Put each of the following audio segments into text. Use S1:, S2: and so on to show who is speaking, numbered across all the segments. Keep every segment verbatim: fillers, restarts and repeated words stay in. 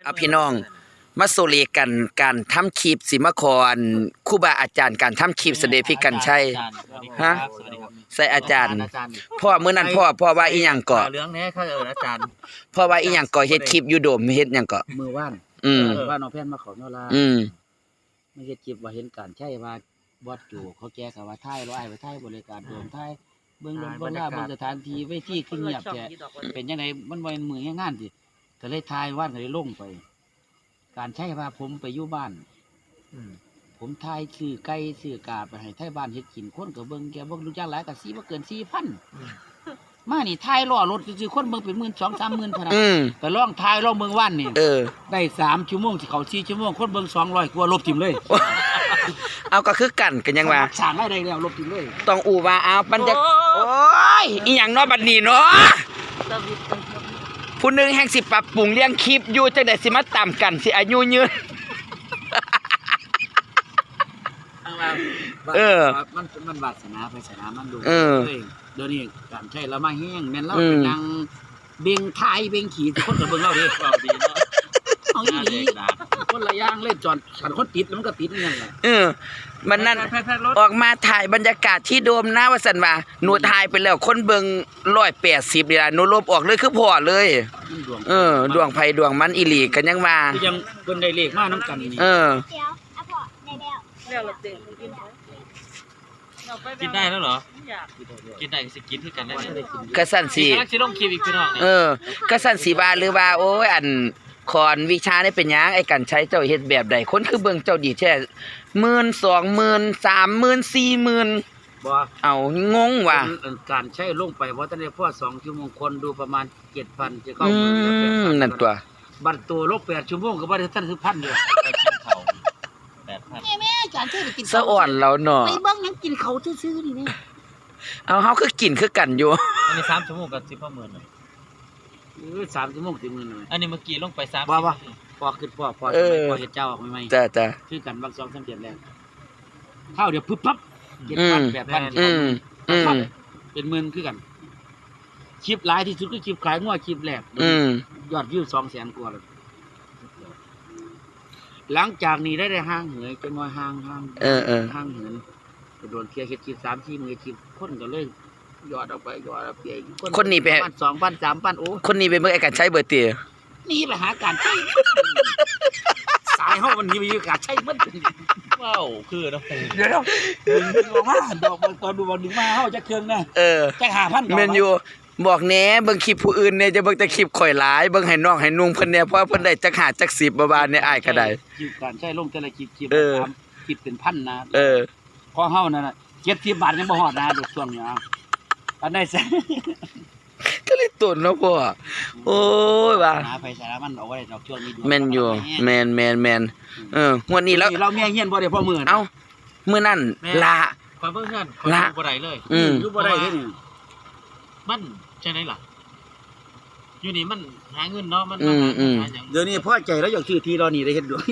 S1: เอาพี่น้องมาโซเลกันการทำคลิปสิมาขออันครูบาอาจารย์การทำคลิปเสด็จพี่กันชัยฮะใส่อาจารย์พ่อมื้อนั้นพ่อพ่อว่าอีหยังเกาะ
S2: เรื่องนี้เขาเอิ้นอาจารย์
S1: พ่อว่าอีหยังเกาะเฮ็ดคลิปอยู่โดมเฮ็ดหยังเกาะ
S3: มือว่าน
S1: อืม
S3: ว่าน้องแพนมาขอโนรา
S1: อืม
S3: ไม่เฮ็ดคลิปว่าเห็นการใช้ว่าบอดอยู่เขาแก้ก็ว่าถ่ายร้อยไปถ่ายบริการโดมถ่ายเบิ่งลมเบิ่งหน้าเบิ่งสถานที่เวทีคือเงียบแท้เป็นจังได๋มันบ่เป็นมืองานสิก็เลยถ่ายว่านก็เลยลงไปการใช้ว่าผมไปอยู่บ้านผมทายซื้อไก่ซื้อกาไปให้ไทบ้านเฮ็ดกินคนก็เบิ่งแกบ่รู้จักหลายก็สิบ่เกิน สี่พัน มานี่ทายล้อรถซื่อๆคนเบิ่งเป็นหมื่น สองสามหมื่นเท่านั้นก็ลองทายลองเบิ่งวันนี่
S1: เออ
S3: ได้สามชั่วโมงสิเข้าสี่ชั่วโมงคนเบิ่งสองร้อยกว่าลบทิ่มเลย
S1: เอาก็คือกันกันยังว่า
S3: สร้างได้แล้วลบทิ่มเลย
S1: ต้องอู่ว่าเอาบรรยากาศโอ้ยอีหยังเนาะบัดนี้เนาะผู้นึงแห่งสิปรับปรุงเลี้ยงคลิปอยู่จังได๋สิมาตามกันสิอายุยืนเออ
S3: มันมันวาสนาไปสนามันดูเออเดี๋ยวนี้การใช้แล้วมาแห้งแม่นเราเป็นนางเบ่งทายเบ่งขี่คนก็เบิ่งเราดิเราดีเนาะเอาอีหลีคนละอย่างเล่นจอนฉันคนติดแล้วมันก็ติดนั่นแหละ
S1: เออมันนั่นออกมาถ่ายบรรยากาศที่โดมหน้าว่าซั่นว่าหนูถ่ายไปแล้วคนเบิ่งหนึ่งร้อยแปดสิบนี่ล่ะหนูลบออกเลยคือพอเลยเออดวงไผดวงมันอีหลีกันยังว่า
S3: ยังเพิ่นได้เลขมานำกันนี่
S1: เออ
S2: กินได้แล้วเหรอกินได้สิกินคือกันได้
S1: กะสั่นสิ
S2: สิลงคลิปอีกพี่น้อง
S1: เออกะสั่นสิว่าหรือว่าโอ้ยอันคอนวิชาได้เป็นหยังไอ้กันใช้เจ้าเฮ็ดแบบใดคนคือเบิ่งเจ้าดีแท้หมื่น สองหมื่น สามหมื่น สี่หมื่น
S3: บ่
S1: เอางงว่ะ
S3: การใช้ลงไปบ่ทันได้พอสองชั่วโมงคนดูประมาณ เจ็ดพัน จะเข้า
S1: อืมนั่นตัว
S3: บัดตัวลบแปดชั่วโมงก็บ่ได้ทันถึง หนึ่งพัน เด้อ
S2: แปดพัน
S3: แม่ๆการใช้ไปกิน
S1: สะอ่อนแล้วเนาะ
S3: ไปเบิ่งยังกินเขาซื่อๆนี่แม่
S1: เอาเฮาคือกินคือกันอยู่
S2: อันนี้สามชั่วโมงก็สิบหมื่นน่ะ
S3: เออสามชั่วโมงสิบหมื่น
S2: อันนี้เมื่อกี้ลงไปสาม
S3: บ่บ่พอขึ้นพอพอพอเฮ็ดเจ้าออกใหม่
S1: ๆจ้ะ
S3: ๆคือกันบางสองสามเดือนแล้วข้าวเดี๋ยวปึ๊บปั๊บ เจ็ดพัน แปดพัน
S1: อืมอืม
S3: เป็นหมื่นคือกันคลิปหลายที่สุดคือคลิปขายงัวคลิปแรก
S1: อืม
S3: ยอดวิว สองแสน กว่าแล้วหลังจากนี้ได้ได้ห่างเหินจังว่าห่างห่าง
S1: เออๆ
S3: ห่างเหินโดนเคลียร์เฮ็ดคลิป สาม สี่ มื้อคลิปคนก็เลยยอดออกไปยอดออกไป
S1: คนนี้ไป
S3: สองพัน สามพัน โอ้
S1: คนนี้ไปเบิ่งไอ้กันใช้เบิดติ
S3: นี่ไปหาการใช้สายเฮามันนี่มีการใช้หมด
S2: ว้าวคือเนาะ
S3: เดี๋ยวดึงออกมาดอกตอนดูบ่ดึงมาเฮาจะเครื่องนะ
S1: เออ
S3: จัก ห้าพัน
S1: แม่นอยู่บอกแหน่เบิ่งคลิปผู้อื่นเนี่ยจะเบิ่งแต่คลิปข่อยหลายเบิ่งให้น้องให้นุ่งเพิ่นเนี่ยเพราะเพิ่นได้จักห้าจักสิบบ่บาทเนี่ยอ้ายก็ได้
S3: คลิปการใช้ลงแต่ละคลิปคลิป
S1: เออ
S3: คลิปเป็นพันนะ
S1: เออ
S3: พอเฮานั่นน่ะเจ็ดสิบบาทยังบ่ฮอดนะดอกช่วงนี้เอาอันใดซะ
S1: ก็เลยตุนเนาะพ่อโอ้ยว่า
S3: หาไปสามันเอาไว้ดอกช่วงนี้
S1: แม่นอยู่แม่นๆๆเอองวดนี้แล้ว
S3: เราเมียเฮียนบ่ได้พอมื้อ
S1: เอ้ามื้อนั้นลา
S2: ความเบิ่งเฮือนคนอยู่บ่ได้เลย
S1: อืม
S3: อยู่บ่ได้เด้นี่
S2: มันจังได๋ล่ะอยู่นี่มันหาเงินเนาะมัน
S1: ห
S2: าหยัง
S3: เดี๋ยวนี้พอใจแล้วอยากซื้อที่รอนี่ได้เฮ็ดด้วย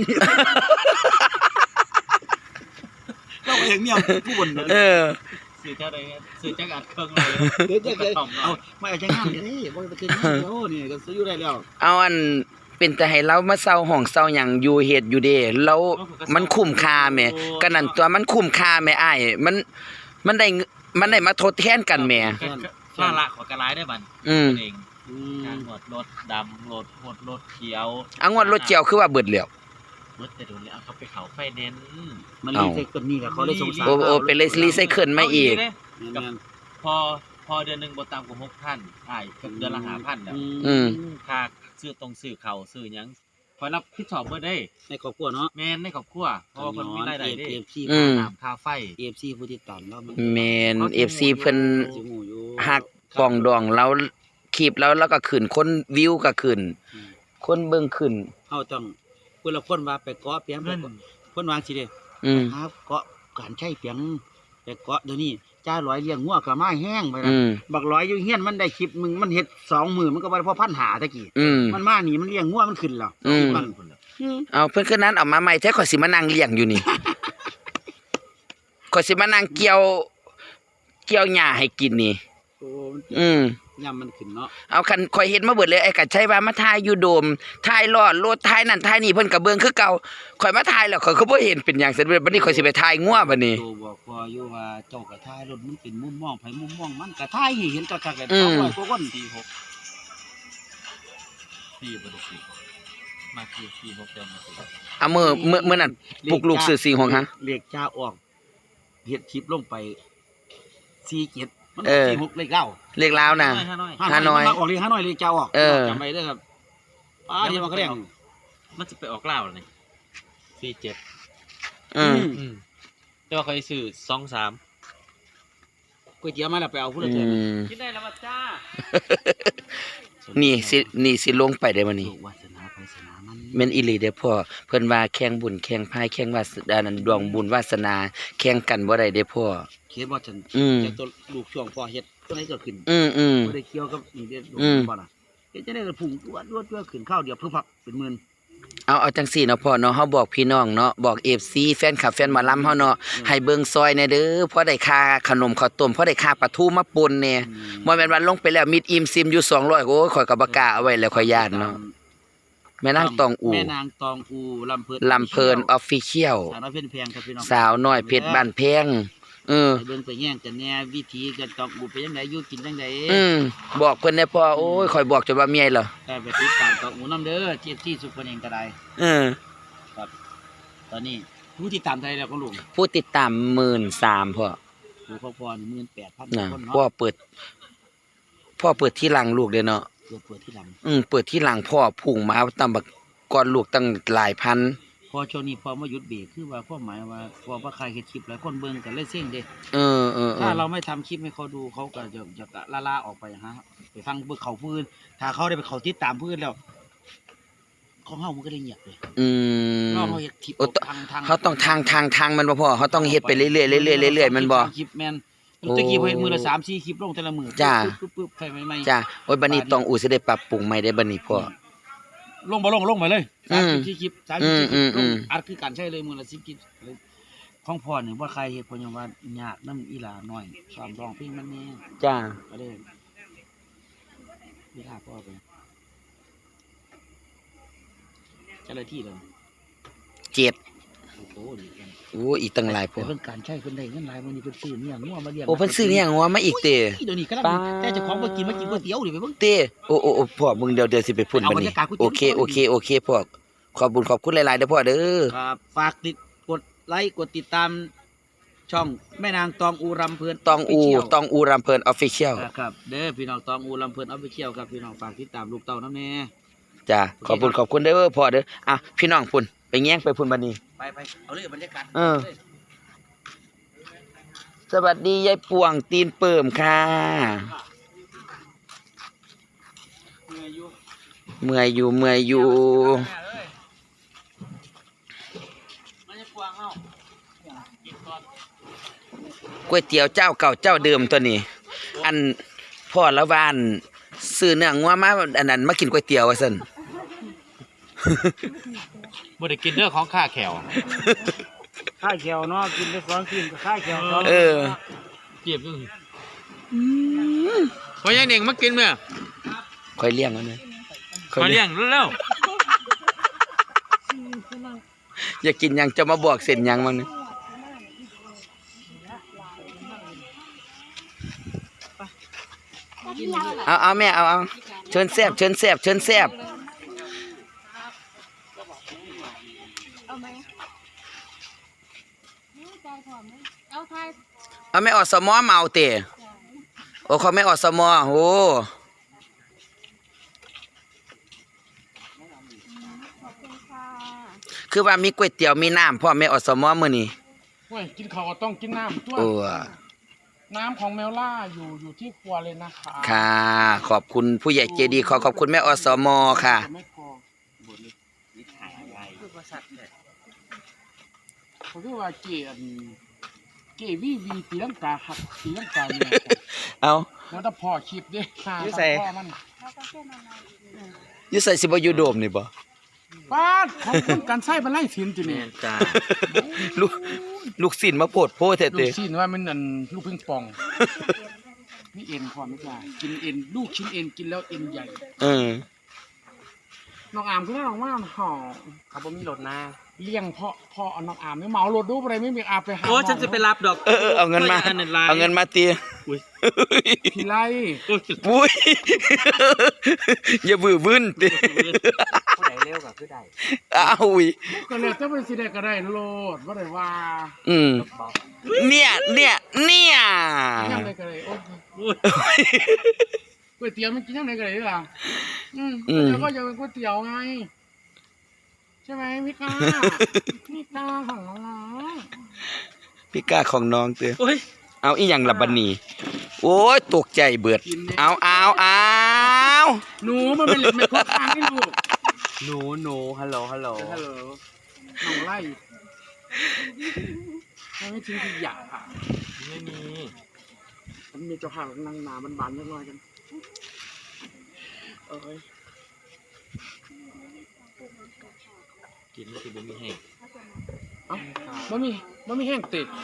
S3: เราเห็นเมียผู้บ่น
S1: เออ
S2: ซื้อจักได้ซื้อจักอัดเครื่องเลย
S3: เดี๋ยวจักเอาไม่เอาจังงานเด้บ่ไปคืนงานเดี๋ยวนี่ก็ซื้ออยู่ได้แล้ว
S1: เอาอันเป็นแต่ให้เรามาเซาห้องเซาหยังอยู่เฮ็ดอยู่เด้แล้วมันคุ้มค่าแหมก็นั่นตัวมันคุ้มค่าแหมอ้ายมันมันได้มันได้มาทดแทนกันแหม
S2: ภาระของกะหลายได้บัด
S1: อืม
S2: เองการงวดรถดำรถหดรถเขียว
S1: อ่ะงวดรถเขียวคือว่าเบิดแล้ว
S2: เบิดแต่โดนแล้วเขาไปเข้าไฟแนนซ์
S3: มันรีไซเคิลนี่ก็เขาเลยสงสาร
S1: โอ้ๆเป็นรีไซเคิลมาอีก
S2: พอพอเดือนนึงบ่ต่ำกว่า หกพัน อ้ายเดือนละ ห้าพัน แล้ว
S1: อืม
S2: ค่าซื้อตรงซื้อข้าวซื้อหยังคอยรับผิดชอบเบิดได้
S3: ในครอบครัวเนาะ
S2: แม่นในครอบครัวเพราะว่าเพิ่นมีรายได้เด้
S3: เอฟ ซี
S2: น้ำค่าไฟ
S3: เอฟ ซี ผู้ติดตามเรา
S1: แม่น เอฟ ซี เพิ่นฮักปองดองเราคลิปแล้วแล้วก็ขึ้นคนวิวก็ขึ้นคนเบิ่งขึ้น
S3: เฮาต้องเพิ่นละคนว่าไปเกาะเปียงเพิ่นวางสิเด้
S1: อืม
S3: ครับเกาะการใช้เปียงไปเกาะเดี๋ยวนี้จ้าร้อยเลี้ยงงัวก็มาแห้งไปนะบักร้อยอยู่เฮียนมันได้คลิปมึงมันเฮ็ดสองมื้อมันก็บ่ได้พอพันหาตะกี้มันมานี่มันเลี้ยงงัวมันขึ้นแล้ว
S1: มันเอาเพิ่นคือนั้นเอามาใหม่แท้ข่อยสิมานั่งเลี้ยงอยู่นี่ข่อยสิมานั่งเกี่ยวเกี่ยวหญ้าให้กินนี่อืม
S3: ย่ำมันขึ้นเนาะ
S1: เอาคันข่อยเฮ็ดมาเบิดเลยไอ้กัดใช้ว่ามาถ่ายอยู่โดมถ่ายรอดรถถ่ายนั่นถ่ายนี่เพิ่นก็เบิ่งคือเก่าข่อยมาถ่ายแล้วข่อยก็บ่เห็นเป็นหยังเสร็จบัดนี้ข่อยสิไปถ่ายงัวบัดนี้
S3: โตบอกพออยู่ว่าเจ้ากระท้ายรถมันเป็นมุมมองไผมุมมองมันกระท้ายให้เห็นกระทักกัน
S1: อื
S3: สอง
S1: ม
S3: ร้อยกว่าคน
S2: สี่หกสี่บ่ได้สี่มาคือสี่หกเดือนมาสี่
S1: เอามื้อมื้อมื้อนั้นปลุกลูกซื้อสี่หกฮะ
S3: เลขจ้าออกเฮ็ดคลิปลงไปสี่เจ็ดมัน
S1: เออ
S3: สี่หกเลขเก้า
S1: เลขลาวน่ะ
S2: ห้าน้อย
S1: ฮานอย
S3: มักออกเลขห้าน้อยเลขจ้าออก
S1: เออ
S3: จำไว้เด้อครับป้าเดี๋ยวมันก็เรียก
S2: มันจะไปออกเล่าวนี่สี่เจ็ด
S1: อืม
S2: อืมแต่ว่าเคยซื้อสองสาม
S3: ก๋วยเตี๋ยวมาแล้วไปเอาผู้
S1: อื
S3: ละเทื่อ
S1: ม
S2: กินได้แล้วมาจ้า
S1: นี่สินี่สิลงไปได้บัดนี้
S3: โชควาสนาไพศาลมัน
S1: แม่นอีหลีเด้อพ่อเพิ่นว่าแข่งบุญแข่งพายแข่งวาสนานั้นดวงบุญวาสนาแข่งกันบ่ได้เด้อพ่อ
S3: เคสบ่ฉัน
S1: อืม
S3: แต่ตัวลูกช่วงพอเฮ็ดตัวไหนก็ขึ้น
S1: อืมอืม
S3: บ่ได้เกี่ยวกับนี่เด้อลูก
S1: อืม
S3: บ่น่ะเฮ็ดจังได๋ก็พุ่งตัวตัวตัวขึ้นข้าวเดียวพึบพับเป็นหมื่น
S1: เอาเอาจังซี่เนาะพ่อเนาะเฮาบอกพี่น้องเนาะบอก เอฟ ซี แฟนคลับแฟนหมอลำเฮาเนาะให้เบิ่งซอยแหน่เด้อพอได้ค่าขนมข้าวต้มพอได้ค่าปลาทูมาป่นแหน่บ่แม่นว่าลงไปแล้วมิดอิ่มซิมอยู่สองร้อยโอ้ยข่อยก็บ่กล้าเอาไว้แล้วข่อยย่านเนาะแม่นางตองอู
S3: แม่นางตองอูลำเพิ่น
S1: ลำเพลิน Official
S3: สาวน้อยเพิ่นแพงครับพี่น้อง
S1: สาวน้อยเพชรบ้านแพงเออ
S3: ไปเบิ่งไปแย่งกันแหน่วิธีการตองอูเป็นจังไดอยู่กินจังได
S1: อืมบอกเพิ่นได้พ่อโอ้ยข่อยบอกจนว่าเมียเหรอ
S3: ได้ไปติดตามตองอูนํเด้อที่ที่สุดเพิ่นเองก็ได้
S1: เออ
S3: ตอนนี้ผู้ที่ตามไทยแล้วก็ลุง
S1: ผู้ติดตามหมื่นสามพ่อ
S3: ผู้พ่อพ่อนี่หมื่นแปดพัน
S1: นะ
S3: คน
S1: พ่อ
S3: เนาะ
S1: เปิด พ่อเปิดที่หลังลูกเด้อเนาะ
S3: เปิดเปิดที่หลัง
S1: อืมเปิดที่หลังพ่อพุ่งมาตำบักก่อนลูกตั้งหลายพัน
S3: พอช่วงนี้พอมาหยุดเบรกคือว่าความหมายว่าพอว่าใครเฮ็ดคลิปหลายคนเบิ่งกันเลยเซ็งเด้
S1: เออเออเอ
S3: ถ้า
S1: อ
S3: เราไม่ทำคลิปให้เขาดูเขาก็จะจะล่าล่าออกไปฮะไปฟังเบิ่งเขาพื้นถ้าเขาได้ไปเขาติดตามพื้นแล้วของเฮามันก็เลยเงียบเลย
S1: อืม
S3: นอกเขาเฮ็ดคลิป
S1: โอ้ต
S3: ทางทาง
S1: เขาต้องทางทางทางมันบ่พ่อเขาต้องเฮ็ดไปเรื่อยๆเรื่อยๆเรื่อยๆมันบ่
S3: คลิปแม่นตะกี้พอเฮ็ดมือละสามสี่คลิปลงแต่ละมือ
S1: จ้า
S3: ปึ๊บปึ๊บใส่ใหม่ๆ
S1: จ้าโอ้ยบัดนี้ต้องอูสิได้ปรับปรุงใหม่ได้บัดนี้พ่อ
S3: ลงบ่ลงลงไปเลย
S1: อื
S3: สาม
S1: ม
S3: สิบสี่คลิปสามสิบสี่ค
S1: อื
S3: ลิ
S1: ม
S3: ป
S1: อื
S3: ล
S1: ม
S3: ง
S1: อืม
S3: อัดคือการใช้เลยมือละสิบคลิปของพ่อเนี่ยว่าใครเฮ็ดเพราะยังว่ายากน้ำอีหลาน้อยซ้อมร้องเพลงมันแน่
S1: จ้า
S3: ก็เลยเวลาพ่อไปเจ้าหน้าที่เลย
S1: เจ็ด
S3: โอ้โหดีกัน
S1: โอ้อีกตั้งหลายพ่อ
S3: แต่เพิ่นการใช้เพิ่นได้เงินหลายมื้อนี้เพิ่นซื้อเนี่ยงัวมาเลี้ยง
S1: โอ้เพิ่นซื้อเนี่ยงัวมาอีกเต
S3: เดี๋ยวนี้กำลัง
S1: ป๊า
S3: แต่เจ้าของบ่กินมากินก๋วยเตี๋ยวดิไปเบิ่ง
S1: เต้โอ้โอ้โอ้พ่อมึงเดี๋ยวเดี๋ยวสิไปพุ่น
S3: เอา
S1: บัด
S3: บรร
S1: นี้
S3: ยากาศก๋วยเตี๋
S1: โอ
S3: ยว
S1: เคโอเคโอเคพ่อขอบคุญขอบคุณหลายๆเด้อพ่อเด้อ
S3: ครับฝากติดกดไลค์กดติดตามช่องแม่นางตองอูรำเพิ่น
S1: ตองอู
S3: Official
S1: ตองอูรำเพลิน Official
S3: ครับเด้อพี่น้องตองอูลำเพิ่นเอาไปเที่ยวครับพี่น้องฝากติดตามลูกเต้าน้ำแน่
S1: จ้าขอบคุณขอบคุณเด้อพ่อเด้ออ่ะพี่น้องพุ่นไปแย่งไปพุ่นบัดนี้
S3: ไปไปเอาเลยบรรยากาศ
S1: เออ สวัสดียายป่วงตีนเปิ่มค่ะ เมื่อยอยู่เมื่อยอยู่
S3: มันจะกวางเฮา
S1: ก๋วยเตี๋ยวเจ้าเก่าเจ้าเดิมตัวนี้ อันพ่อละวานซื้อเนื้องัวมาอันนั้นมากินก๋วยเตี๋ยวว่าซั่น
S2: บ่ได้กินเด้อของข้าแขว
S3: ข้าวเขียวเนาะกินไปสองกินก็ข้าวเขียวสอง
S1: เออ
S2: เก็บอยู่พอยายเน่งมากินแม่
S1: ค่อยเลี้ยงเอานะ
S2: ขอเลี้ยงเร็ว
S1: อยากกินหยังจะมาบอกเส้นหยังมันยเอาเอาแม่เอาเอาเชิญแซ่บเชิญแซ่บเชิญแซ่บ
S4: เอาไหมใจหอมไหมเอาทาย
S1: เอาแม่ออสมอเมาเตะโอ้เขาแม่ออสมอโอ้
S4: ขอบคุณค่ะ
S1: คือว่ามีก๋วยเตี๋ยวมีน้ำพ่อแม่ออสมอมื้อนี้
S5: เว้ยกินข้าวก็ต้องกินน้ำด้วย
S1: โอ้
S5: น้ำของแมวล่าอยู่อยู่ที่ครัวเลยนะคะ
S1: ค่ะ ขอบคุณผู้ใหญ่ใจดีขอขอบคุณแม่อสมค่ะ
S5: จะไม่พอเขาเรียกว่าเกอันเกวีวีตีลังกาหักตีลังกาเนี่ย
S1: เอา
S5: แล้วถ้าพอคลิปเด้หา
S1: อยู่
S5: ทาง
S1: ใส่
S5: พ่อมัน
S4: แล้วก็เส้นอะไรอีกหนึ่ง
S1: อยู่ใส่สิบ่อยู่โดมนี่บ่
S5: ป้าดของคุณการใช้เป็นไล่สินจีนี่
S2: จ้า
S1: ลูกลูกศิลมาโพดโพแท้
S5: ลู
S1: เตะ
S5: กซีนว่ามันอันลูกปิงปองนี่เอ็นพอไม่กล้ากินเอ็นลูกชิ้นเอ็นกินแล้วเอ็นใหญ่
S1: เออ
S5: น้องอามก็น้องว่าห่อ
S2: เขาบ่มีรถนะ
S5: เลี้ยงเพาะเพาะเอาน้องอามไม่เหมารถดูอะไรไม่มีอาไปหา
S2: โอ้ฉันจะไปรับดอก
S1: เออเออเอาเงินมา เอาเงินมาตี
S5: พี่ไล่
S1: บุ้ยอย่าบื้อบึ้นติ
S2: ผู้ใดเร็วก็คือได้
S1: อ้าวอุ้ย
S5: ก็เลยจะไปสิได้ก็ได้โลดว่าได้ว่า
S1: อืมเนี่ยเนี่ยเนี่ย
S5: ยังไงก็ได้โอ้ยก๋วยเตี๋ยวมันกินยังไงก็ได้ล่ะอืมแล้วก็ยังเป็นก๋วยเตี๋ยวไงใช่ไหมพี่ก้าพี่ก้าของน้อง
S1: พี่ก้าของน้องเตือ
S2: โอ้ย
S1: เอาอีหยังลับบนีโอ้ยตกใจเบิด เอาเอาเอา
S5: หนูมันเป็นไม่ครบทางให้ลูก
S2: หนูหนูฮัลโหลฮัลโหล
S5: ฮัลโหลน้องไล่ไม่ทิ้งขยะค่ะ
S2: ไม่มี
S5: มันมีเจ้าห่างนางหนามันบานยังไงกันเอ้ย
S2: กินคือบ่มีแห้ง
S5: เอ้ามันมีมันมีแห้งติด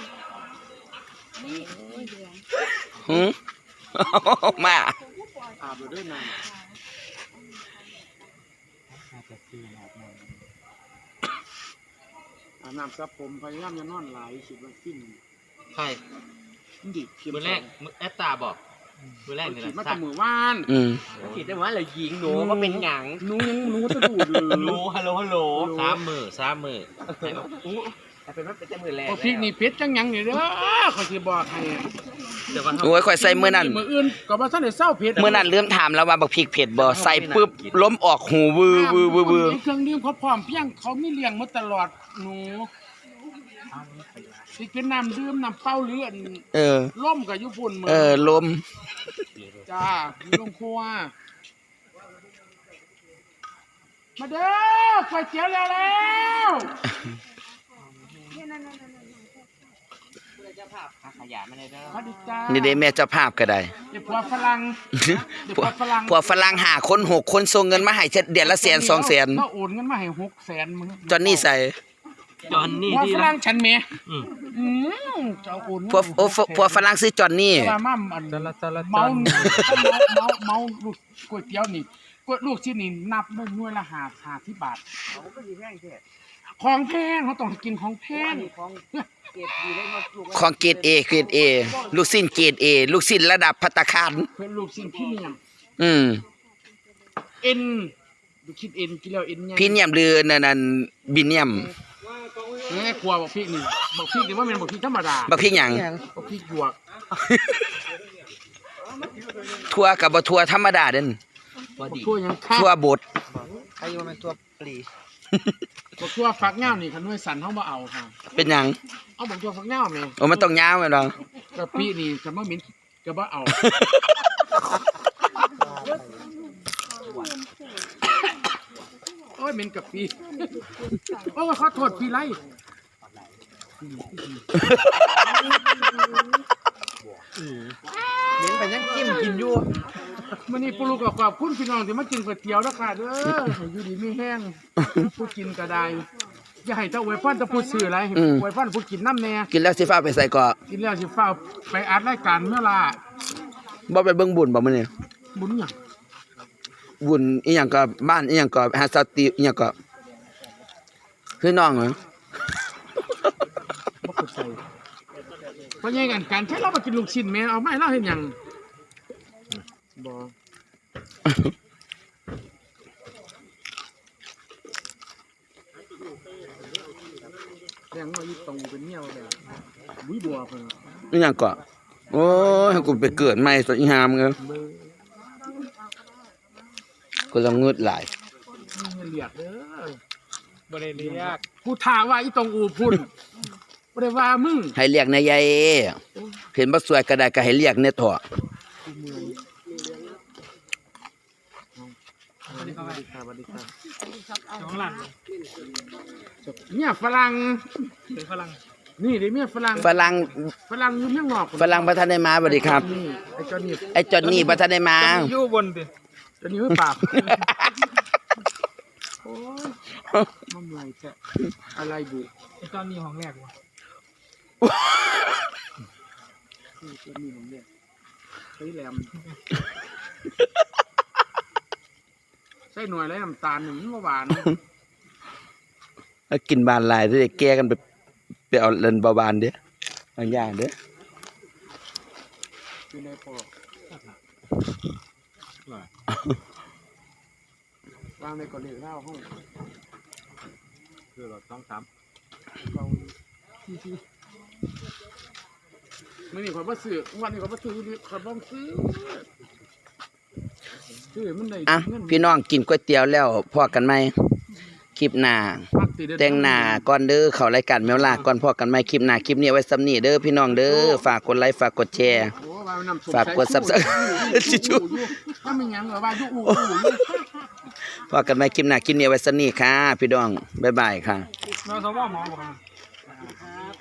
S1: หืมมา
S5: อาบอยู่ด้วยนะอาบน้ำซับผมพยายามจะนอนหลายคิดว่าสิ้น
S2: ใช่
S5: มันดิเข็ม
S2: มื้อแรกมื้อแอตตาบอกมื้อแรกนี่
S5: ขีด
S2: แห
S5: มา
S2: ละ
S5: แต่มือว่าน
S1: อืม
S2: คิดได้ว่าเรายิงหนูก็เป็นหยัง
S5: หนูยังหนูก็จะดูดเลย
S2: หนูฮัลโหลฮัลโหลสามมือสามมือให้บอกอู้แต่เป็นว่าเป็นแต่มือแรก
S5: พอพริกนี่เพชรจังหยังนี่เด้อขอยสิบอกให้
S2: แต่ว่า
S1: โอ้ยข่อยใส่มื้อนั้น
S5: มืออื่นก็บ่ทันได้เศร้าเพชร
S1: มื้อนั้นลืมถามแล้วว่าบักพริกเผ็ดบ่ใส่ปุ๊บล้มออกหูวือวือวือวือ
S5: เครื่องดื่มเขาพร้อมเพียงเขามีเลี้ยงมาตลอดหนูสิเป็นน้ำดื่มน้ำเปล่าหรืออัน
S1: เออ
S5: ล่มกับญี่ปุ่นเหมือน
S1: เออลม
S5: จ้าอยู่โรงครัวมาเด้อก๋วยเตี๋ยวแล้วแล้ว
S2: ขยะไม่ได้เด้อ
S5: สวัสดีจ้า
S1: นี่เด้แม่เจ้าภาพก็ได้
S5: เดี๋ยวผัวฝรั่งเดี๋ยว
S1: พว
S5: ผัว
S1: ก
S5: ฝรั่ง
S1: พวกฝรั่งหาคนหกคนส่งเงินมาให้เดือนละแสนสองแสน
S5: เขาโอนเงินมาให้หกแสนมึง
S1: จอนนี่ใส่
S2: จอนนี่
S5: ผัว
S2: ดี
S5: ฝ
S2: ละ
S5: รั่งฉันเมย์
S2: อืม
S5: อืมจะเอาโอนเงิน
S1: พวกโอ้พวกฝรั่งซื้อจอนนี่
S5: แต่ว่ามั่มอัน
S2: จละจละ
S5: เมาเมาเมาเมาลูกก๋วยเตี๋ยวนี่ก๋วยลูกชิ้นนี่นับหน่วยละห้าห้าสิบบาทของแพงเขาต้องกินของแพง
S1: ของเกรด A เกรด A ลูกสิ้นเกรด A ลูกสิ้นระดับภัตตาคาร
S5: เป็นลูกชิ้นพรีเมียม
S1: อืม
S5: เอ็นลูกชิ้นเอ็นกินแล้วเอ็นไง
S1: พรีเนียมหรือนั่นนั่นบิเนียม
S5: แม่ครัวบอกพริกนี่บอกพริกนี่ว่ามันบอกพริกธรรมดา
S1: บักพริกหยัง
S5: บอกพริกหยวก
S1: ทั่วกับบ่ทั่วธรรมดาเด่น
S5: บอกทั่วยังข้า
S1: ทั่วบด
S2: ใครว่ามันตัวปลี
S5: บอกทั่วฟักเง่านี่คันด้วยสันเขามาเอาค่ะ
S1: เป็นหยัง
S5: เอาบอกทั่วฟักเง่าแม่
S1: โอ้มันต้องยาวแม่นบ่
S5: กะปินี่คันว่ามิ้นกะบ่เอาโอ้ยเหม็นกะปิโอ้ยขอโทษพี่ไร
S2: เน้นไปยังจิ้มกินอยู่
S5: มันนี่ปลูกกับขอบคุณพี่น้องที่มากินก๋วยเตี๋ยวแล้วค่ะเด้อให้อยู่ดีไม่แห้งผู้กินก็ได้อย่าให้เจ้าอวยพรเจ้าผู้ซื้ออะไรให้อวยพรผู้กินน้ำแน่
S1: กินแล้วสิฟ้าไปใส่เกาะ
S5: กินแล้วสิฟ้าวไปอัดรายการเมื่อล่ะ
S1: บ่ไปเบิ่งบุญบ่มื้อนี้
S5: บุญหยัง
S1: บุญอีหยังก็บ้านอีหยังก็หาสติอีหยังก็คือน้องเหรอ
S5: บ่เข้าใจเพราะยังกันการใช้เรามากินลูกชิ้นแม่เอาไม่เล่าเห็นหยังบ่แรงว่าอีตรงเป็นเมียว่าแบบบุ้ยบัวเพิ่น
S1: อีหยังก็โอ้ยให้กูไปเกิดใหม่ซะอีหามเอ้ยกูละงึดหลาย
S5: มันเรียกเด้อ
S2: บ่ได้เรียก
S5: กูถามว่าอีตรงอูพุ่นบ่ได้ว่ามึง
S1: ให้เรียกนายใหญ่เห็นบ่สวยก็ได้ก็ให้เรียกแน่เถาะ
S5: สวัสดีครับสวัสดีครับสวัสดีครับ
S2: น้องหลัง
S5: เมียฝรั่ง
S2: เป็นฝรั่ง
S5: นี่เด้เมียฝรั่ง
S1: ฝรั่ง
S5: ฝรั่งอยู่เมืองนอก
S1: ฝรั่งบ่ทันได้มาสวัสดีครับ
S5: นี่ไอ้เจอนี่
S1: ไอ้จอนนี่บ่ทันได้มา
S2: อยู่บนดิ
S5: เจอนี่ไม่ปากโอ้ยมันไหลแท้อะไรบุ
S2: ตอนนี้ห้องแรกวะ
S5: นี่เจอนี่ผมเนี่ยใส่แหลมใส่หน่วยแล้วน้ำตาลหนึ่งมันหวาน
S1: แล้วกินบานหลายเด้อแก้กันไปไปเอาเล่นเบาบานเด้อบางอย่างเด้อ
S5: อยู่ในปอกวางในกระดิ่งเล่าห้อง
S2: คือเราต้องท
S5: เกาไม่นี่ขอยบ่ซื้อวันนี้ขอยบ่ซื้อขอยบ่ซื้อซื้อมันได้
S1: อ่ะ
S5: เงิน
S1: พี่น้องกินก๋วยเตี๋ยวแล้วพอกันไหมคลิปหน้า
S5: มักติเด้อ
S1: แต่งหน้าก่อนเด้อเข้ารายการแมวลาก่อนพอกันไหมคลิปหน้าคลิปนี้เอาไว้ซ้ำนี้เด้อพี่น้องเด้อฝากกดไลค์ฝากกดแชร์
S5: โอ้ว่าน้ำส้ม
S1: ฝากกด
S5: สายชู
S1: Subscribe
S5: อยู่อยู่อยู่ถ้ามีหยังเหรอว่าอยู่อู่อู่อยู่
S1: พอกันไหมคลิปหน้าคลิปนี้เอาไว้ซ้ำนี้ค่ะพี่น้องบ๊ายบายค่ะ
S5: เราสว่าหมอบอก